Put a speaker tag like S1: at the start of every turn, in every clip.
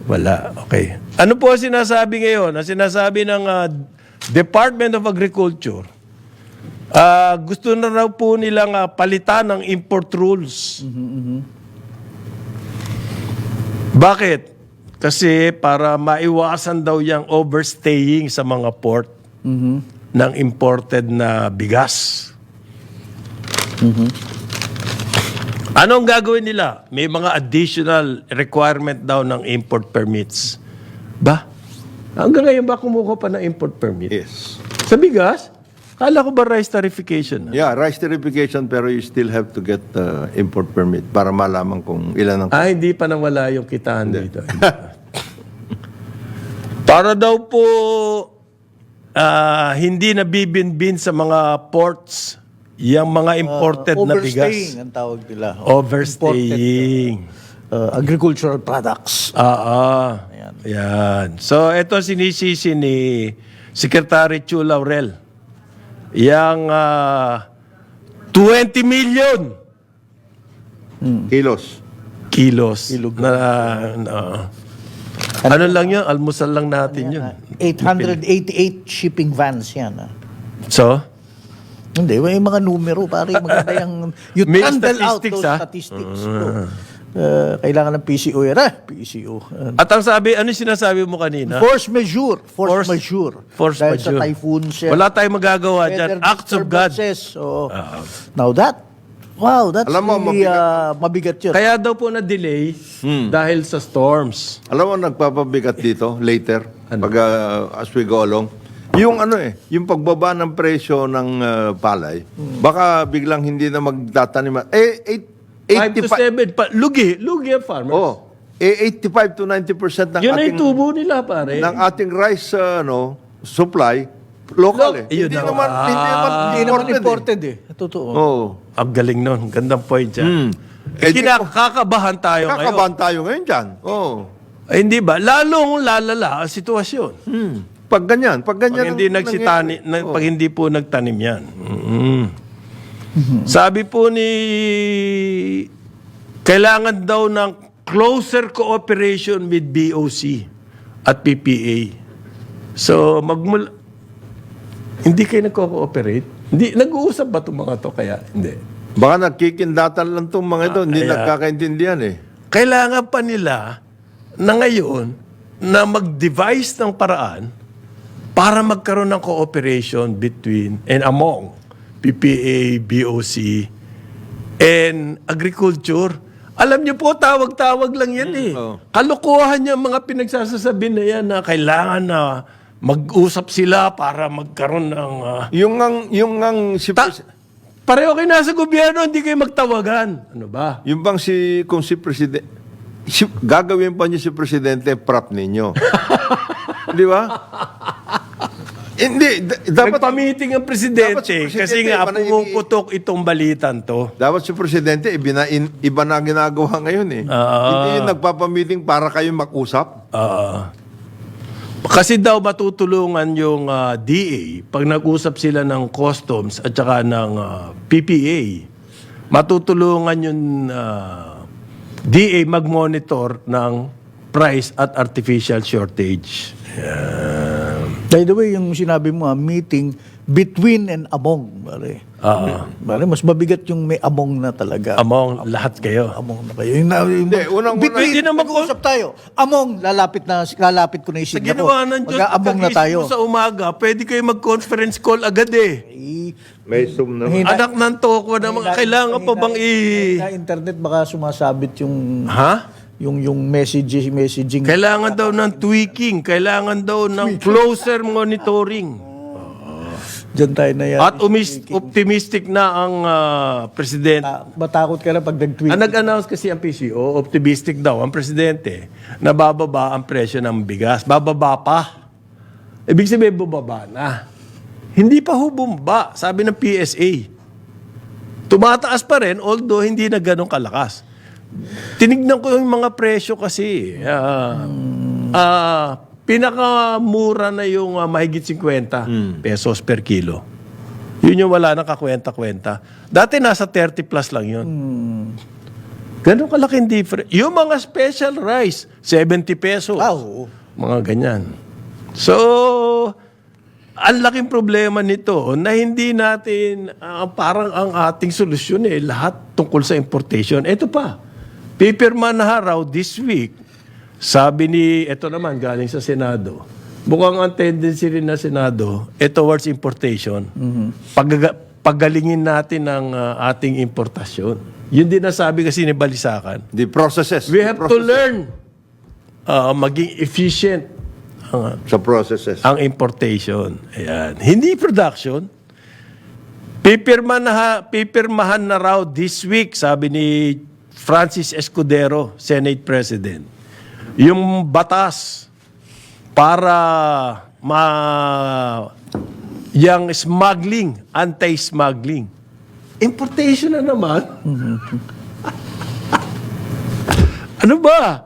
S1: Wala. Okay. Ano po ang sinasabi ngayon? Ang sinasabi ng Department of Agriculture, gusto na raw po nilang palitan ng import rules. Bakit? Kasi para maiwasan daw yung overstaying sa mga port ng imported na bigas. Anong gagawin nila? May mga additional requirement daw ng import permits. Ba? Hanggang ngayon ba kumuha pa ng import permit?
S2: Yes.
S1: Sa bigas? Kala ko ba rice tarification?
S2: Yeah, rice tarification pero you still have to get import permit para malaman kung ilan ang...
S1: Hindi pa nawala yung kitaan dito. Para daw po hindi nabibinbin sa mga ports yung mga imported na bigas.
S3: Overstaying ang tawag nila.
S1: Overstaying.
S3: Agricultural products.
S1: Yan. So, ito sinisisi ni Secretary Chu Laurel. Yang 20 million kilos na ano lang yun? Almusal lang natin yun.
S3: 888 shipping vans yan.
S1: So?
S3: Hindi, may mga numero. Pare, maganda yung... You
S1: May
S3: handle out
S1: statistics,
S3: those statistics. Kailangan ng PCO yan. PCO.
S1: At ang sabi, ano sinasabi mo kanina?
S3: Force majeure. Force majeure.
S1: Force
S3: Dahil
S1: majeure.
S3: sa typhoons.
S1: Wala tayong magagawa dyan. Acts of God.
S3: So, now that's
S2: Alam mo,
S3: really mabigat yun.
S1: Kaya daw po na-delay dahil sa storms.
S2: Alam mo, nagpapabigat dito later, pag as we go along. Yung yung pagbaba ng presyo ng palay, baka biglang hindi na magtatanim.
S1: 5 to 7. Lugi ang farmers.
S2: 85 to 90% ng
S1: Yun ay
S2: ating
S1: tubo nila, pare.
S2: ng ating rice supply local
S1: Yun
S2: Hindi
S1: na.
S2: naman
S3: Hindi naman imported Totoo.
S1: Ang galing nun. Gandang point yan. Kakabahan tayo ngayon.
S2: Kakabahan tayo ngayon dyan.
S1: Hindi ba? Lalong lalala ang sitwasyon.
S2: Pag ganyan. Pag
S1: hindi po nagtanim yan. Sabi po ni kailangan daw ng closer cooperation with BOC at PPA. So, hindi kayo nagko-cooperate? Hindi, nag-uusap ba itong mga to? Kaya, hindi.
S2: Baka nagkikindatan lang itong mga ito. Hindi nagkakaintindihan
S1: Kailangan pa nila na ngayon na mag-devise ng paraan para magkaroon ng cooperation between and among PPA, BOC, and agriculture. Alam niyo po, tawag-tawag lang yan Kalokohan niya mga pinagsasasabi na yan na kailangan na mag-usap sila para magkaroon ng... Pareho kayo nasa gobyerno, hindi kayo magtawagan. Ano ba?
S2: Yung bang kung si Presidente, gagawin pa niyo si Presidente, prop ninyo. Di ba? Hindi, dapat...
S1: Nagpa-meeting ang presidente kasi nga pumuputok itong balitan to.
S2: Dapat si Presidente, iba na ginagawa ngayon Hindi yung nagpapamiting para kayo mag-usap.
S1: Kasi daw matutulungan yung DA pag nag-usap sila ng customs at saka ng PPA. Matutulungan yung DA mag-monitor ng price at artificial shortage.
S3: By the way, yung sinabi mo, meeting between and among. Bale, mas mabigat yung may among na talaga.
S1: Among lahat kayo.
S3: Among na kayo.
S2: Hindi,
S3: Between, mag-uusap tayo. Among, lalapit ko na yung
S1: Sa
S3: signature.
S1: ginawa ng Diyos,
S3: Mag-among na tayo.
S1: sa umaga, pwede kayo mag-conference call agad
S2: May Zoom na.
S1: Anak ng toko na mga kailangan pa bang
S3: Sa internet, baka sumasabit yung... yung messaging.
S1: Kailangan daw ng tweaking. Kailangan daw ng closer monitoring.
S3: Diyan tayo na yan.
S1: At optimistic na ang presidente.
S3: Matakot ka na pag nag-tweet.
S1: Nag-announce kasi ang PCO, optimistic daw ang presidente na bababa ang presyo ng bigas. Bababa pa. Ibig sabihin, bumaba na. Hindi pa bumaba, sabi ng PSA. Tumataas pa rin, although hindi na ganun kalakas. Tinignan ko yung mga presyo kasi. Pinakamura na yung mahigit 50 pesos per kilo. Yun yung wala nang kakwenta-kwenta. Dati nasa 30 plus lang yun. Ganun kalaking difference. Yung mga special rice, 70 pesos.
S3: Oo.
S1: Mga ganyan. So, ang laking problema nito na hindi natin, parang ang ating solusyon lahat tungkol sa importation. Ito pa, pipirma na raw this week, sabi ni, ito naman galing sa Senado, mukhang ang tendency rin na Senado, towards importation. Paggalingin natin ang ating importasyon. Yun din nasabi kasi ni Balisakan.
S2: The processes.
S1: We have to learn maging efficient
S2: Sa processes.
S1: ang importation. Ayan. Hindi production. Pipirmahan na raw this week, sabi ni Francis Escudero, Senate President, yung batas para yung smuggling, anti-smuggling. Importation na naman. Ano ba?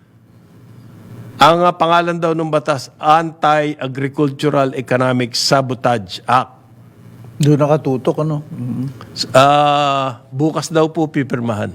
S1: Ang pangalan daw ng batas, Anti-Agricultural Economic Sabotage Act.
S3: Doon nakatutok, ano?
S1: Bukas daw po pipirmahan.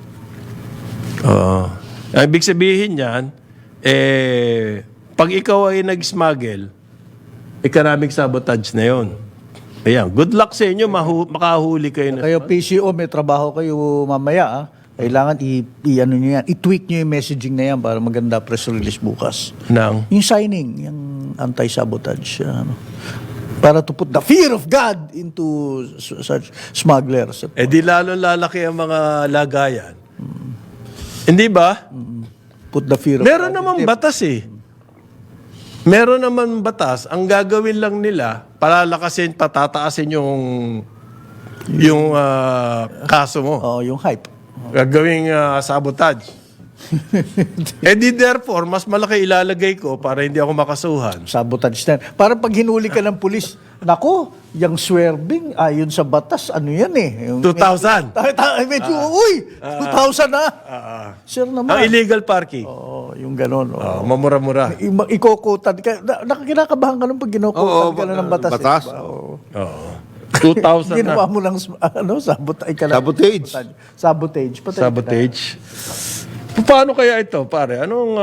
S1: Ibig sabihin yan, pag ikaw ay nag-smuggle, economic sabotage na yon. Ayan, good luck sa inyo, makahuli kayo na.
S3: Kayo PCO, may trabaho kayo mamaya, ah. Kailangan ano nyo yan, i-tweak nyo yung messaging na yan para maganda press release bukas.
S1: Nang?
S3: Yung signing, yung anti-sabotage, ano, para to put the fear of God into such smugglers.
S1: Di lalo lalaki ang mga lagayan. Hindi ba?
S3: Put the fear of
S1: Meron
S3: God.
S1: naman batas Meron naman batas. Ang gagawin lang nila, palalakasin, patataasin yung kaso mo.
S3: Oo, yung hype.
S1: Gagawing sabotage. Therefore, mas malaki ilalagay ko para hindi ako makasuhan.
S3: Sabotage na. Para pag hinuli ka ng pulis, nako, yung swerving, ayon sa batas, ano yan Yung,
S1: 2,000.
S3: Medyo, uy, 2,000 na. Sir naman.
S1: Ang illegal parking.
S3: Oo, yung ganon.
S1: Mamura-mura.
S3: Ikokotan ka. Kinakabahan ka nung pag ginokotan ka na ng batas.
S2: batas.
S3: Oo.
S1: 2,000 na.
S3: Ginawa mo lang, sabotage.
S2: Sabotage.
S3: Sabotage. Patay ka na.
S1: Sabotage. Paano kaya ito, pare? Anong...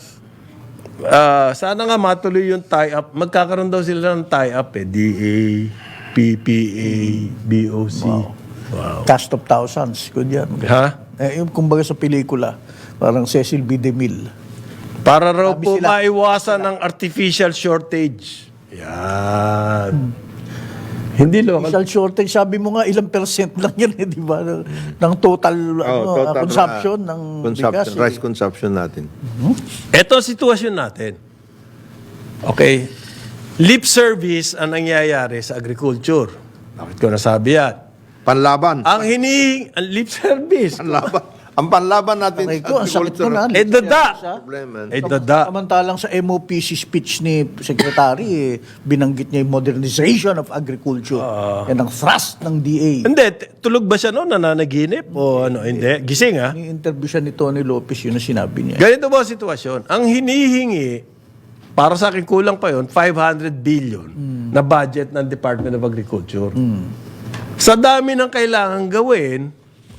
S1: sana nga matuloy yung tie-up. Magkakaroon daw sila ng tie-up DA, PPA, BOC. Wow.
S3: Cast of thousands. Good yan.
S1: Ha?
S3: Yung kumbaga sa pelikula, parang Cecil B. DeMille.
S1: Para raw
S3: Sabi
S1: po
S3: sila-
S1: maiwasan ng artificial shortage. Yan. Hindi local.
S3: Official shortage, sabi mo nga ilang percent lang yan, di ba? Ng total,
S2: Total,
S3: consumption ng bigas.
S2: rice consumption natin.
S1: Ito ang sitwasyon natin. Okay. Lip service ang nangyayari sa agriculture. Bakit ko nasabi yan?
S2: Panlaban.
S1: Ang lip service.
S2: Panlaban. Ang panlaban natin
S3: Aray ko, ang sakit mo na.
S1: Dada.
S2: Problema.
S1: Dada.
S3: Samantalang sa MOPC speech ni Secretary, binanggit niya yung modernization of agriculture. Yan ang thrust ng DA.
S1: Hindi, tulog ba siya noon? Nananaginip? O ano? Hindi. Gising ha?
S3: Ni-interview siya ni Tony Lopez, yun ang sinabi niya.
S1: Ganito ba ang sitwasyon? Ang hinihingi, para sa akin kulang pa yon 500 billion na budget ng Department of Agriculture. Sa dami ng kailangan gawin,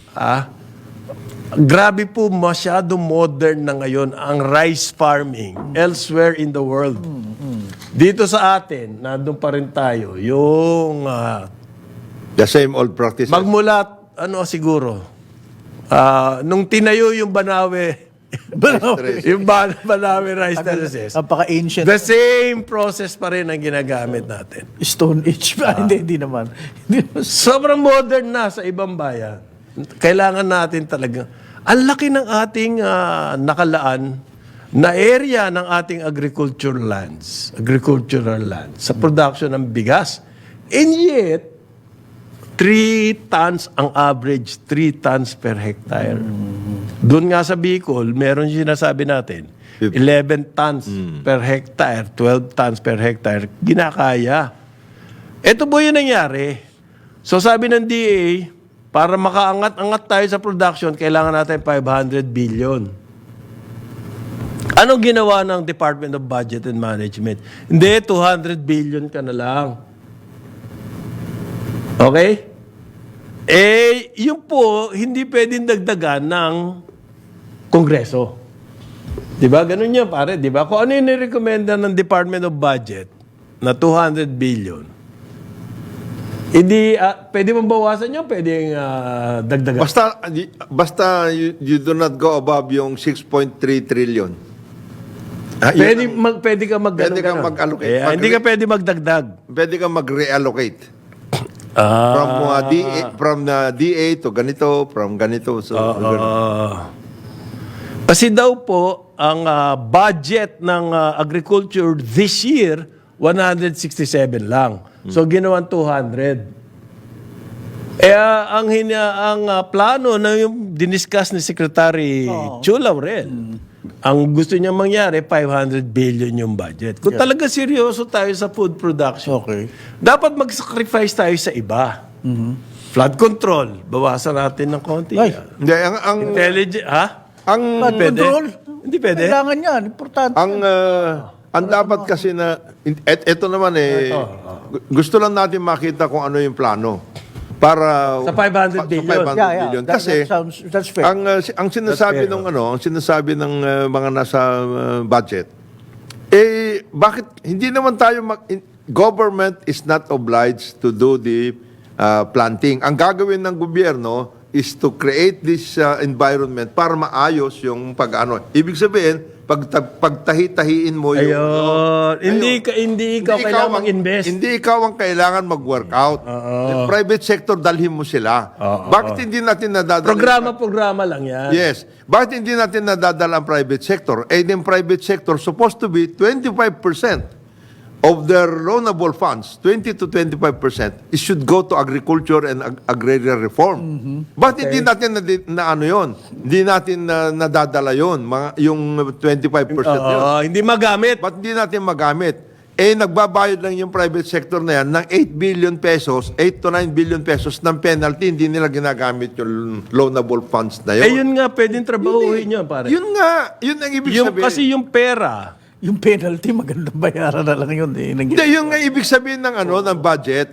S1: grabe po masyado modern na ngayon ang rice farming elsewhere in the world. Dito sa atin, nandun pa rin tayo, yung
S2: The same old practices.
S1: magmulat, siguro, nung tinayo yung Banawe, yung Banawe rice terraces,
S3: Napaka-ancient.
S1: the same process pa rin ang ginagamit natin.
S3: Stone Age. Hindi naman.
S1: Sobrang modern na sa ibang bayan. Kailangan natin talaga. Ang laki ng ating nakalaan na area ng ating agricultural lands sa production ng bigas. And yet, 3 tons ang average, 3 tons per hectare. Doon nga sa Bicol, meron sinasabi natin, 11 tons per hectare, 12 tons per hectare, ginakaya. Ito po yung nangyari. So sabi ng DA, para makaangat-angat tayo sa production, kailangan natin 500 billion. Anong ginawa ng Department of Budget and Management? Hindi, 200 billion ka na lang. Okay? Yun po, hindi pwedeng dagdagan ng Kongreso. Di ba? Ganun yan, pare. Di ba? Kung ano yung nirekomenda ng Department of Budget na 200 billion, hindi, pwede mong bawasan yun, pwedeng dagdagan.
S2: Basta you do not go above yung 6.3 trillion.
S1: Pwede ka
S2: Pwede kang mag-allocate.
S1: Hindi ka pwede magdagdag.
S2: Pwede kang mag-reallocate.
S1: Ah.
S2: From DA to ganito, from ganito. So,
S1: Kasi daw po, ang budget ng agriculture this year, 167 lang. So, ginawan 200. Ang plano na yung diniscuss ni Secretary Chu Laurel, ang gusto niya mangyari, 500 billion yung budget. Kung talaga seryoso tayo sa food production,
S3: Okay.
S1: dapat mag-sacrifice tayo sa iba. Flood control, bawasan natin ng konti.
S3: Ay.
S2: Hindi, ang
S1: Intelligent, ha?
S3: Flood
S1: Pwede?
S3: control.
S1: Hindi pwede?
S3: Kailangan yan. Importante.
S2: ang dapat kasi na ito naman gusto lang natin makita kung ano yung plano para
S1: Sa 500 billion.
S2: billion. Kasi
S3: That's fair.
S2: ang sinasabi ng mga nasa budget bakit hindi naman tayo government is not obliged to do the planting. Ang gagawin ng gobyerno is to create this environment para maayos yung pag-ano. Ibig sabihin, pagtahi-tahiin mo yung...
S1: Ayun. Hindi ikaw kailangan mag-invest.
S2: Hindi ikaw ang kailangan mag-workout. The private sector, dalhin mo sila. Bakit hindi natin nadadala...
S1: Programa lang yan.
S2: Yes. Bakit hindi natin nadadala ang private sector? Yung private sector supposed to be 25% of their loanable funds, 20 to 25%, it should go to agriculture and agrarian reform. Bakit hindi natin Hindi natin nadadala yun, yung 25% yun.
S1: Hindi magamit.
S2: Ba't hindi natin magamit? Nagbabayad lang yung private sector na yan ng 8 billion pesos, 8 to 9 billion pesos ng penalty, hindi nila ginagamit yung loanable funds na yun.
S1: Yun nga, pwedeng trabahuhin yun, pare.
S2: Yun nga, yun ang ibig sabihin.
S1: Kasi yung pera,
S3: Yung penalty, magandang bayaran na lang yun.
S2: Hindi, yung nga ibig sabihin ng budget,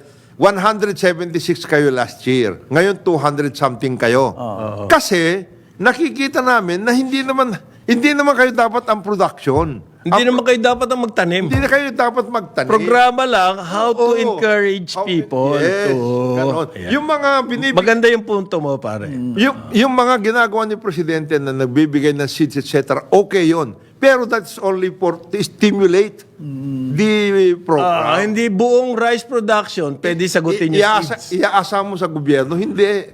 S2: 176 kayo last year. Ngayon, 200 something kayo. Kasi, nakikita namin na hindi naman kayo dapat ang production.
S1: hindi naman kayo dapat ang magtanim.
S2: Hindi na kayo dapat magtanim.
S1: Programa lang how to
S2: Oo.
S1: encourage people
S2: Yes,
S1: to...
S2: ganon.
S1: Ayan.
S2: Yung mga
S1: Maganda yung punto mo, pare.
S2: yung mga ginagawa ni Presidente na nagbibigay ng seeds, etc., okay yon. Pero that's only for to stimulate the program.
S1: Hindi buong rice production, pwede sagutin yung seeds.
S2: Iaasa mo sa gobyerno, hindi.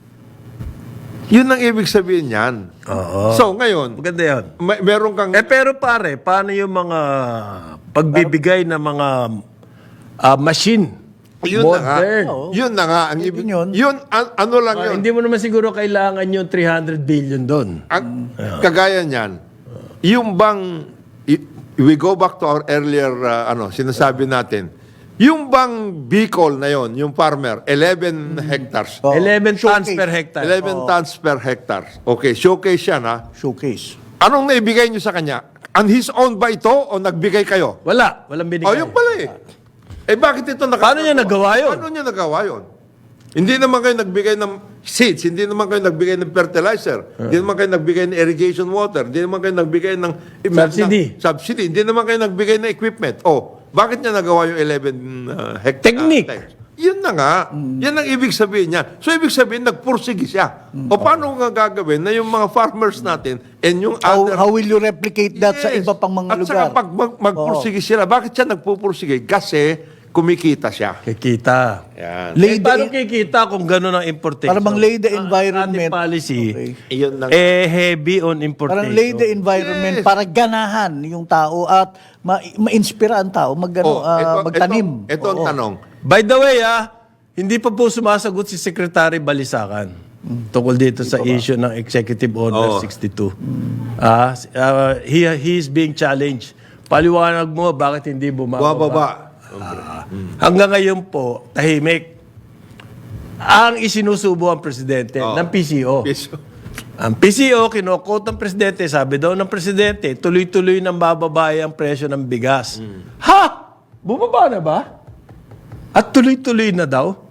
S2: Yun ang ibig sabihin yan. So, ngayon,
S1: Maganda yun.
S2: meron kang...
S1: Pero pare, paano yung mga pagbibigay ng mga machine?
S2: Yun na nga.
S1: Modern.
S2: Yun na nga. Ang ibig,
S3: Yun.
S2: ano lang yun.
S1: Hindi mo naman siguro kailangan yung 300 billion doon.
S2: Kagaya niyan, yung bang, we go back to our earlier, sinasabi natin, yung bang Bicol na yon, yung farmer, 11 hectares.
S1: 11 tons
S3: Showcase.
S1: per hectare.
S2: 11 tons per hectare. Okay, showcase yan ha.
S3: Showcase.
S2: Anong naibigay nyo sa kanya? And his own ba ito o nagbigay kayo?
S1: Walang binigay.
S2: Yung pala bakit ito
S1: Paano niya nagawa yun?
S2: Paano niya nagawa yun? Hindi naman kayo nagbigay ng seeds, hindi naman kayo nagbigay ng fertilizer, hindi naman kayo nagbigay ng irrigation water, hindi naman kayo nagbigay ng subsidy, hindi naman kayo nagbigay ng equipment. Bakit niya nagawa yung 11 hectares?
S1: Technique.
S2: Yun na nga. Yan ang ibig sabihin niya. So, ibig sabihin, nagpursige siya. O paano nga gagawin na yung mga farmers natin and yung other...
S3: How will you replicate that sa
S2: Yes.
S3: iba pang mga
S2: At
S3: lugar?
S2: saka pag magpursige sila, bakit siya nagpupursige? Kasi kumikita siya.
S1: Kikita.
S2: Yan.
S1: Paano kikita kung gano'n ang importation?
S3: Para bang lay the
S1: Ang
S3: environment.
S1: ating policy,
S3: Okay.
S2: Iyon lang.
S1: heavy on importation.
S3: Parang lay the environment
S2: Yes.
S3: para ganahan yung tao at ma-inspira ang tao magtanim.
S2: Ito ang tanong.
S1: By the way, hindi pa po sumasagot si Secretary Balisacan tungkol dito sa issue ng Executive Order 62. He is being challenged. Paliwanag mo bakit hindi bumababa. Hanggang ngayon po, tahimik. Ang isinusubo ang presidente ng PCO. Ang PCO, kinokot ng presidente, sabi daw ng presidente, tuloy-tuloy nang bababa ang presyo ng bigas. Ha? Bumaba na ba? At tuloy-tuloy na daw?